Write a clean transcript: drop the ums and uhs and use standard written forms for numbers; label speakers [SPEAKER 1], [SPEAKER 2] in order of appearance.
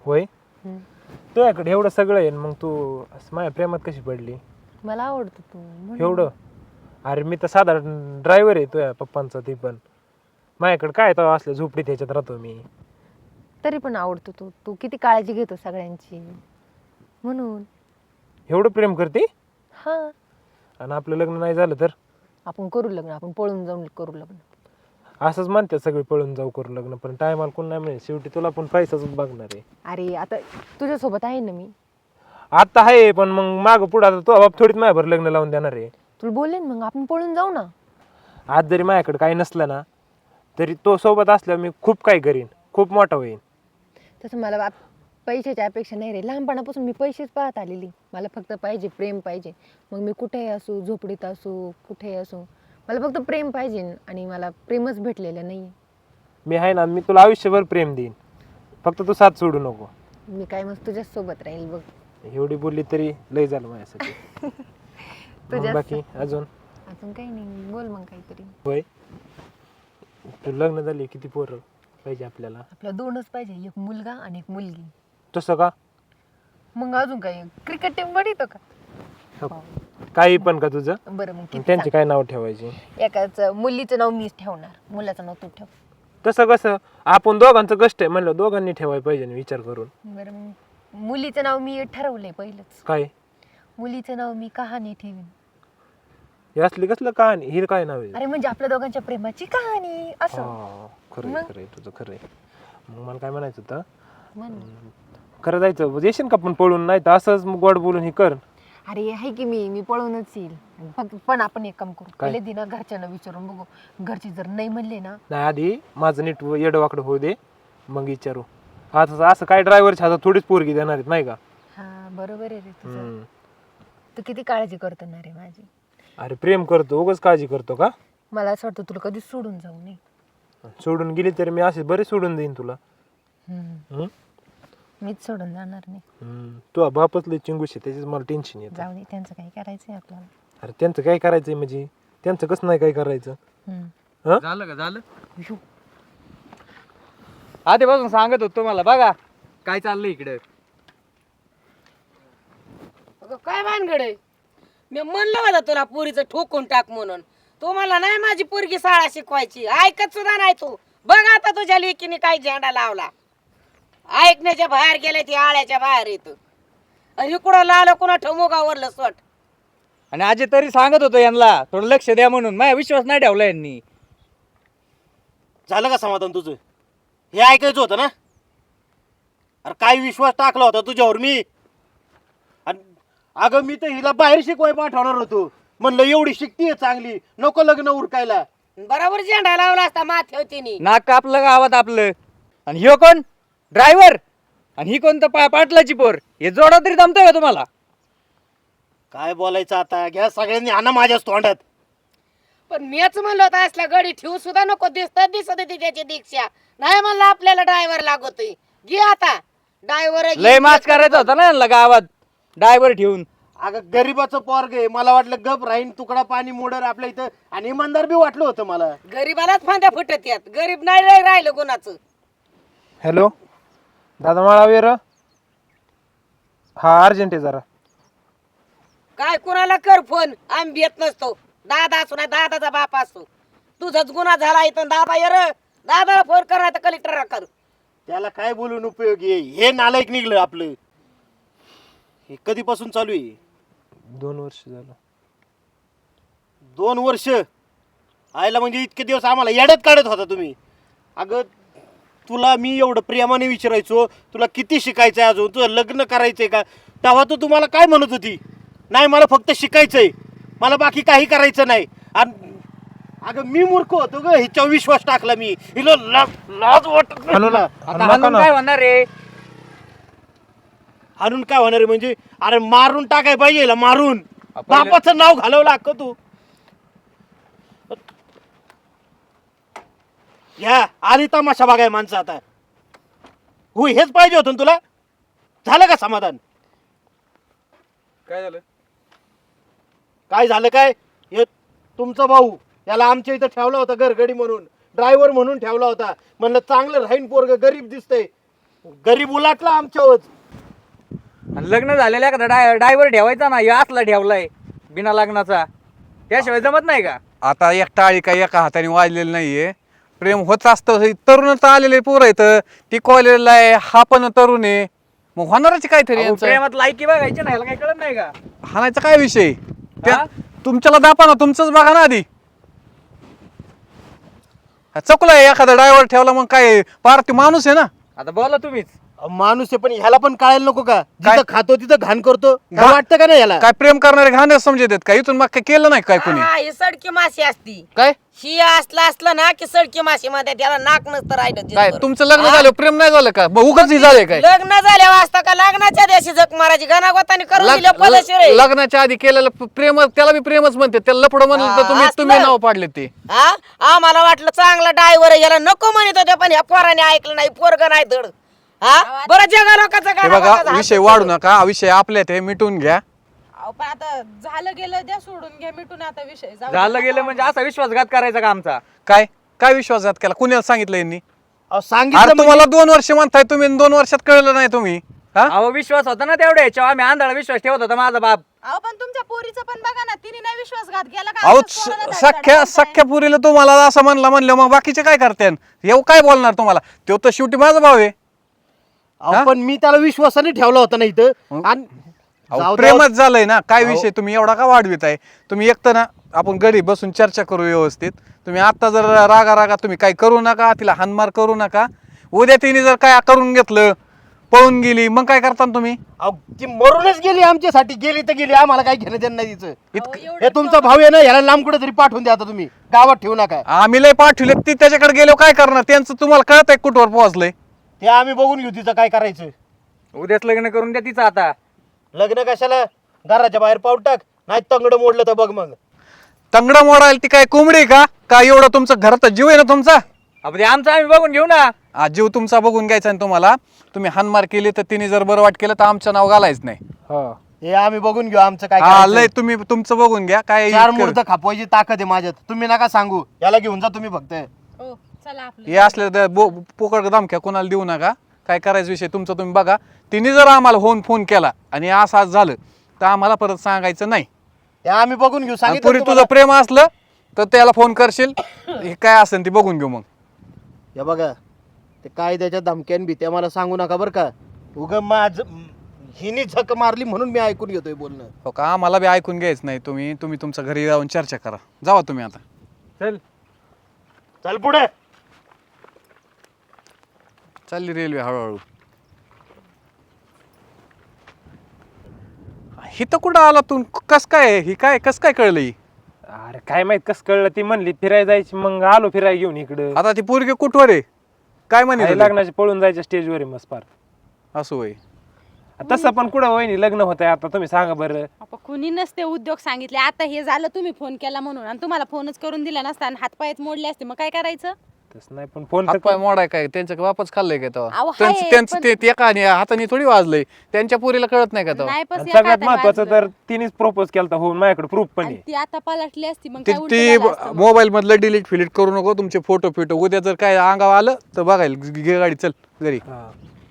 [SPEAKER 1] होय
[SPEAKER 2] हम्म.
[SPEAKER 1] तुझ्याकडे एवढं सगळं आहे मग तू असं माझ्या प्रेमात कशी पडली
[SPEAKER 2] मला आवडतो तू म्हणून.
[SPEAKER 1] एवढं अरे मी तर साधारण ड्रायव्हर आहे तुझ्या पप्पांचा ती पण माझ्याकडे काय तर असलं झोपडीत ह्याच्यात राहतो मी
[SPEAKER 2] तरी पण आवडतो तू तू किती काळजी घेतो सगळ्यांची म्हणून.
[SPEAKER 1] एवढं प्रेम करते
[SPEAKER 2] हा
[SPEAKER 1] आणि आपलं लग्न नाही झालं तर
[SPEAKER 2] आपण करू लग्न, आपण पळून जाऊन करू लग्न.
[SPEAKER 1] असंच म्हणतात सगळे पळून जाऊ करू लग्न पण टायमाला कोण नाही मिळेल शेवटी तुला पण पैसाच बघणार आहे
[SPEAKER 2] अरे आता तुझ्यासोबत आहे ना मी.
[SPEAKER 1] आता आहे पण मग मागं पुढं आता तो बाप थोडीच माझ्यावर लग्न लावून देणार आहे
[SPEAKER 2] तुला बोलले ना मग आपण पळून जाऊ ना.
[SPEAKER 1] आज जरी माझ्याकडे काही नसलं ना तरी तो सोबत असल्यावर मी खूप काही करीन खूप मोठा होईन
[SPEAKER 2] तसं मला पैशाची अपेक्षा नाही रे, लहानपणापासून मी पैसेच पाहत आलेली. मला फक्त पाहिजे प्रेम पाहिजे. मग मी कुठेही असू, झोपडीत असू, कुठेही असू, मला फक्त प्रेम पाहिजे आणि मला प्रेमच भेटलेलं नाही.
[SPEAKER 1] मी आहे ना मी तुला आयुष्यभर प्रेम देईन फक्त तू साथ सोडू नको
[SPEAKER 2] मी काय मग तुझ्याच सोबत राहील बघ.
[SPEAKER 1] एवढी बोलली तरी लय झालं माझ्यासाठी मग
[SPEAKER 2] तुझ्याच
[SPEAKER 1] बाकी अजून
[SPEAKER 2] अजून काही नाही, बोल मग काहीतरी.
[SPEAKER 1] होय तू लग्न झाली किती पोरं पाहिजे आपल्याला
[SPEAKER 2] आपला दोनच पाहिजे, एक मुलगा आणि एक मुलगी.
[SPEAKER 1] तसं का
[SPEAKER 2] मग अजून काही क्रिकेट टीम बनवतो का?
[SPEAKER 1] हो. काही पण का तुझं
[SPEAKER 2] बरं मग किती
[SPEAKER 1] त्यांचे काय नाव ठेवायचे
[SPEAKER 2] सांग. एकाच मुलीचं नाव मीच ठेवणार, मुलाचं नाव तू ठेव.
[SPEAKER 1] तसं कसं आपण दोघांचं कष्ट आहे म्हणलं दोघांनी ठेवायला पाहिजे ना विचार करून
[SPEAKER 2] बरं मग मुलीचं नाव मी ठरवलंय पहिलंच.
[SPEAKER 1] काय
[SPEAKER 2] मुलीचं नाव मी कहाणी ठेवीन.
[SPEAKER 1] हे असली कसलं कहाणी ही काय नाव आहे
[SPEAKER 2] अरे म्हणजे आपल्या दोघांच्या प्रेमाची कहाणी असं.
[SPEAKER 1] हा, खरंय
[SPEAKER 2] मग?
[SPEAKER 1] खरंय तुझं खरंय मग मला काय म्हणायचं होतं
[SPEAKER 2] म्हण.
[SPEAKER 1] खरं जायचं येशील का पण पळून नाही तर असंच मग गोड बोलून हे कर
[SPEAKER 2] अरे आहे की मी पळूनच येईल. फक्त पण आपण एक काम करू,
[SPEAKER 1] काय?
[SPEAKER 2] पहिले दिना घरच्यांना विचारून बघू. घरचे जर नाही म्हणले ना,
[SPEAKER 1] नाही आधी माझं नीट येडवाकडं होऊ दे मग विचारू आता असं काय ड्रायव्हरच्या हातात थोडीच पोरगी देणार आहेत नाही का
[SPEAKER 2] हा बरोबर आहे रे तुझं.
[SPEAKER 1] हम्म.
[SPEAKER 2] तू किती काळजी करतो ना रे माझी.
[SPEAKER 1] अरे प्रेम करतो उगाच काळजी करतो का
[SPEAKER 2] मला असं वाटतं तुला कधी सोडून जाऊ नये.
[SPEAKER 1] सोडून गेली तरी मी असे बरे सोडून देईन तुला हम्म?
[SPEAKER 2] मीच सोडून जाणार नाही.
[SPEAKER 1] तू बापच लय चिंगूश आहे त्याच्याच मला टेन्शन येतं
[SPEAKER 2] जाऊ दे, त्यांचं काही करायचंय आपल्याला.
[SPEAKER 1] अरे त्यांचं काय करायचंय म्हणजे त्यांचं कसं नाही काय करायचं
[SPEAKER 2] हम्म.
[SPEAKER 3] झालं का झालं आधीपासून सांगत होतो मला बघा काय चाललंय इकडे.
[SPEAKER 4] अगं काय भानगडे, मी म्हणलं होतं तुला पोरीचं ठोकून टाक म्हणून. तू मला नाही माझी पोरगी शाळा शिकवायची, ऐकत सुद्धा नाही तू. बघ आता तुझ्या लेकीने काय झेंडा लावला. ऐकण्याच्या बाहेर गेले ती आळ्याच्या बाहेर येत आणि कुठं लावलं कुणा ठमोगावरलं सोट.
[SPEAKER 3] आणि आजी तरी सांगत होतो यांना थोडं लक्ष द्या म्हणून, माझा विश्वास नाही ठेवला यांनी.
[SPEAKER 5] झालं का समाधान तुझं? हे ऐकायचं होतं ना? अरे काय विश्वास टाकला होता तुझ्यावर मी. आणि अगं मी तर हिला बाहेर शिकवाय पाठवणार होतो. म्हणलं एवढी शिकतीये चांगली, नको लग्न उरकायला.
[SPEAKER 4] बरोबर झेंडा लावला असता माथ्याव तिने.
[SPEAKER 3] नाक कापलं गावात आपलं. आणि ह्यो कोण ड्रायव्हर आणि ही कोणतं पाटलाची पोर, हे जोडा तरी जमतंय का तुम्हाला?
[SPEAKER 5] काय बोलायचं आता, घ्या सगळ्यांनी आणा माझ्याच तोंडात.
[SPEAKER 4] पण मीच म्हणलं होतं असल्या गडी ठेवू सुद्धा नको, दिसत होती त्याची दीक्षा. नाही म्हणलं आपल्याला ड्रायव्हर लागतोय. घे आता ड्रायव्हर.
[SPEAKER 3] लय माच करायचा होता ना यांना गावात ड्रायव्हर ठेवून.
[SPEAKER 5] अगं गरीबाचं पोरग आहे, मला वाटलं गप राहीन तुकडा पाणी मोडर आपल्या इथं, आणि इमानदार बी वाटलं होतं मला.
[SPEAKER 4] गरीबालाच फांद्या फुटत यात, गरीब नाही राहिलं कोणाचं.
[SPEAKER 1] हॅलो दादा मला वेर हा अर्जंट आहे जरा
[SPEAKER 4] काय कुणाला कर फोन, आम्ही येत नसतो. दादा असो ना दादाचा बाप असो, तुझाच गुन्हा झाला इथं. दादा ये र, दादाला फोन कर नाही तर कलेक्टरला कर.
[SPEAKER 5] त्याला काय बोलून उपयोगी आहे? हे नालायक निघलं आपलं. हे कधीपासून चालू आहे?
[SPEAKER 1] 2 वर्ष झालं
[SPEAKER 5] 2 वर्ष आयला, म्हणजे इतके दिवस आम्हाला येड्यात काढत होता तुम्ही. अगं तुला मी एवढं प्रेमाने विचारायचो तुला किती शिकायचंय, अजून तुझं लग्न करायचंय का, तेव्हा तू तुम्हाला काय म्हणत होती? नाही मला फक्त शिकायचंय, मला बाकी काही करायचं नाही. आणि अगं मी मूर्ख होतो ग, हिच्यावर विश्वास टाकला मी. हिला लाज वाटत नाही
[SPEAKER 1] हाणू ना,
[SPEAKER 5] तुला?
[SPEAKER 1] हाणू
[SPEAKER 3] आता
[SPEAKER 1] नका
[SPEAKER 3] हाणून
[SPEAKER 1] ना.
[SPEAKER 3] काय होणार रे?
[SPEAKER 5] हाणून काय होणार आहे म्हणजे? अरे मारून टाकाय पाहिजे हिला, मारून. बापाचं नाव घालवलं अक्क तू. ह्या आली तमाशा बघाय माणसं आता. हो हेच पाहिजे होतं ना तुला? झालं का समाधान?
[SPEAKER 3] काय झालं?
[SPEAKER 5] काय झालं काय? हे तुमचा भाऊ, याला आमच्या इथं ठेवला होता घरगडी म्हणून, ड्रायव्हर म्हणून ठेवला होता. म्हणलं चांगलं राहीन पोरग, गरीब दिसतंय. गरीब उलाटला आमच्यावर.
[SPEAKER 3] आणि लग्न झालेला एखादा ड्रायव्हर ठेवायचा ना, या असला ठेवलाय बिना लग्नाचा, त्याशिवाय जमत नाही का?
[SPEAKER 6] आता एक टाळी काही एका हाताने वाजलेली नाहीये. प्रेम होत असतं. तरुण तर आलेले पोरं आहेत, ती कॉलेजला आहे, हा पण तरुण आहे, मग होणारच काहीतरी
[SPEAKER 3] अहो,
[SPEAKER 6] यांचं.
[SPEAKER 3] प्रेमात लायकी बघायची नाही, ह्याला काही कळत नाही का?
[SPEAKER 6] हाणायचा काय विषय त्या
[SPEAKER 3] हा?
[SPEAKER 6] तुमच्याला दापा ना, तुमचंच बघा ना आधी. चुकलाय एखादा ड्रायव्हर ठेवला मग काय, पार ते माणूस आहे ना.
[SPEAKER 3] आता बोला तुम्हीच.
[SPEAKER 5] माणूस आहे पण ह्याला पण कळायला नको का?
[SPEAKER 6] काय?
[SPEAKER 5] जिथं खातो तिथं घाण करतो. काय
[SPEAKER 6] घा-
[SPEAKER 5] वाटतं का नाही ह्याला?
[SPEAKER 6] काय प्रेम करणारे घाणच समजत आहेत का? इथून मग काय केलं नाही काय कोणी?
[SPEAKER 4] हा, ही सडकी माशी असती.
[SPEAKER 6] काय
[SPEAKER 4] ही असलं ना की सडकी माशी मध्ये त्याला नाक नसतं राहिलं
[SPEAKER 6] काय
[SPEAKER 4] दिसभर.
[SPEAKER 6] तुमचं लग्न
[SPEAKER 4] हा?
[SPEAKER 6] झालं प्रेम नाही झालं का? मग उगाच झालंय काय?
[SPEAKER 4] लग्न झाल्यावर असतं का लग्नाच्या दिवशी जग मारायची गणागोताने करून दिलं
[SPEAKER 6] लग-
[SPEAKER 4] पदशीर आहे.
[SPEAKER 6] लग्नाच्या आधी केलेलं प्रेम त्याला बी प्रेमच म्हणते. त्याला लपड म्हणलं
[SPEAKER 4] हा,
[SPEAKER 6] तर तुम्ही
[SPEAKER 4] असलं.
[SPEAKER 6] तुम्ही नाव पाडले ते.
[SPEAKER 4] हा आम्हाला वाटलं चांगला ड्रायव्हर याला नको म्हणत होते पण ह्या पोराने ऐकलं नाही, पोरग नाही धड. हा बरं जगा लोकांचं
[SPEAKER 6] हे बघा विषय वाढू नका, हा विषय आपल्यात आहे, मिटून घ्या.
[SPEAKER 7] अहो, पण आता झालं गेलं द्या सोडून घ्या मिटून आता विषय जाऊ दे.
[SPEAKER 3] झालं गेलं म्हणजे असा विश्वासघात करायचा का आमचा?
[SPEAKER 6] काय काय विश्वासघात केला? कुणाला सांगितलं यांनी?
[SPEAKER 5] अहो,
[SPEAKER 6] अरे
[SPEAKER 5] सांगितलं म्हणजे-
[SPEAKER 6] तुम्हाला 2 वर्ष म्हणताय तुम्ही, 2 वर्षात कळलं नाही तुम्ही? हा?
[SPEAKER 3] अहो विश्वास होता ना तेवढ्या ह्याच्यावर, आम्ही आंधळा विश्वास ठेवत होता माझा बाप.
[SPEAKER 7] अहो पण तुमच्या पोरीचं पण बघा ना, तिने नाही विश्वासघात केला का?
[SPEAKER 6] अहो
[SPEAKER 7] असंच कोणाला धाडधाड
[SPEAKER 6] सख्या
[SPEAKER 7] करताय?
[SPEAKER 6] सख्या पुरीला तुम्हाला असं म्हणलं मग बाकीचे काय करते? येऊ काय बोलणार तुम्हाला? तो तर शेवटी माझा भाव आहे.
[SPEAKER 5] अहो, पण मी त्याला विश्वासाने ठेवला होता ना इथं. आणि
[SPEAKER 6] अहो,
[SPEAKER 5] जाऊ द्या.
[SPEAKER 6] प्रेमच झालंय ना. काय विषय तुम्ही एवढा का वाढवित आहे? तुम्ही एकतर ना आपण घरी बसून चर्चा करू व्यवस्थित. तुम्ही आता जर रागा तुम्ही काय करू नका, तिला हानमार करू नका. उद्या तिने जर काय करून घेतलं, पळून गेली, मग काय करता तुम्ही?
[SPEAKER 5] अहो, ती मरूनच गेली आमच्यासाठी. गेली तर गेली, आम्हाला काय घेणं देणं नाही तिचं.
[SPEAKER 6] इतकं
[SPEAKER 5] हे तुमचा भाऊ आहे ना, ह्याला लांब कुठे तरी पाठवून द्या आता तुम्ही. गावात ठेवू नका.
[SPEAKER 6] आम्ही लय पाठवले, ती त्याच्याकडे गेलो काय करणार? त्यांचं तुम्हाला कळत आहे कुठवर पोहोचलंय?
[SPEAKER 5] ते आम्ही बघून घेऊ तिचं काय करायचं.
[SPEAKER 3] उद्याच लग्न करून द्या तिचं आता.
[SPEAKER 5] लग्न कशाला? घराच्या बाहेर पाऊल टाक, नाही तंगड मोडलं तर बघ मग.
[SPEAKER 6] तंगडा मोडायला ती काय कोंबडी आहे का? काय एवढं तुमचं घरात जीव आहे ना तुमचा?
[SPEAKER 3] अहो, ते आमचं आम्ही बघून घेऊ ना.
[SPEAKER 6] आज जीव तुमचा बघून घ्यायचा आणि तुम्हाला तुम्ही हानमार केली तर तिने जर बरं वाट केलं तर आमचं नाव घालायच नाही.
[SPEAKER 1] हा
[SPEAKER 5] हे आम्ही बघून घेऊ आमचं काय
[SPEAKER 6] हा
[SPEAKER 5] करायचं.
[SPEAKER 6] लय तुम्ही तुमचं बघून घ्या. काय
[SPEAKER 5] 4
[SPEAKER 6] इतकं-
[SPEAKER 5] मुहूर्त खापवायची ताकद आहे माझ्यात. तुम्ही नका सांगू. याला घेऊन जा तुम्ही फक्त.
[SPEAKER 7] हो चला आपलं
[SPEAKER 6] हे असले तर पोकळ धमक्या कोणाला देऊ नका. काय करायचं विषय तुमचा तुम्ही बघा. तिने जर आम्हाला फोन केला आणि असं आज झालं तर आम्हाला परत सांगायचं नाही.
[SPEAKER 5] हे आम्ही बघून घेऊ.
[SPEAKER 6] आणि
[SPEAKER 5] सांगितलं
[SPEAKER 6] पुरी
[SPEAKER 5] तुम्हाला.
[SPEAKER 6] तुझं प्रेम असलं तर त्याला फोन करशील. हे काय असेल ते बघून घेऊ मग.
[SPEAKER 5] हे बघा, ते काय त्याच्या धमक्यान भीत्या मला सांगू नका बरं का. माझ हिने झक मारली म्हणून मी ऐकून घेतोय बोलणं.
[SPEAKER 6] हो का? आम्हाला बी ऐकून घ्यायचं नाही. तुम्ही तुमच्या घरी जाऊन चर्चा करा. जावा तुम्ही आता.
[SPEAKER 3] चल.
[SPEAKER 5] चल पुढे.
[SPEAKER 6] चालली रेल्वे हळूहळू. ही तर कुठं आला तू? कस काय ही काय कस काय कळलं ही?
[SPEAKER 1] अरे काय माहित कस कळलं? ती म्हणली फिरायला जायची, मग आलो फिरायला घेऊन इकडं.
[SPEAKER 6] आता ती पोरगी कुठवर आहे? काय म्हणे
[SPEAKER 1] आई लग्नाची पळून जायच्या स्टेजवर आहे मस्त फार.
[SPEAKER 6] असं होय.
[SPEAKER 1] तसं पण कुठं वहिनी लग्न होत आहे आता, तुम्ही सांगा बरं.
[SPEAKER 7] आपण कुणी नसते उद्योग सांगितले. आता हे झालं तुम्ही फोन केला म्हणून, आणि तुम्हाला फोनच करून दिला नसता आणि हातपायच मोडले असते, मग काय करायचं?
[SPEAKER 1] तसं नाही पण फोन
[SPEAKER 6] हातपाय मोडाय काय? त्यांचं वापस खाल्लंय का तेव्हा?
[SPEAKER 7] अहो,
[SPEAKER 6] त्यांचं
[SPEAKER 7] हाय,
[SPEAKER 6] त्यांचं
[SPEAKER 7] पण-
[SPEAKER 6] ते एका हाताने थोडी वाजलंय. त्यांच्या पोरीला कळत नाही का तेव्हा?
[SPEAKER 7] नाही पस
[SPEAKER 1] सगळ्यात महत्वाचं तर तिनेच प्रपोज केला होऊन माझ्याकडे प्रूफ पण आहे.
[SPEAKER 7] ती आता पलटली असती मग
[SPEAKER 6] ती
[SPEAKER 7] काय उलटं झालं असतं मग.
[SPEAKER 6] मोबाईल मधलं डिलीट फिलीट करू नको तुमचे फोटो उद्या जर काय अंगावर आलं तर बघायला घे गाडी चल घरी.
[SPEAKER 1] हा.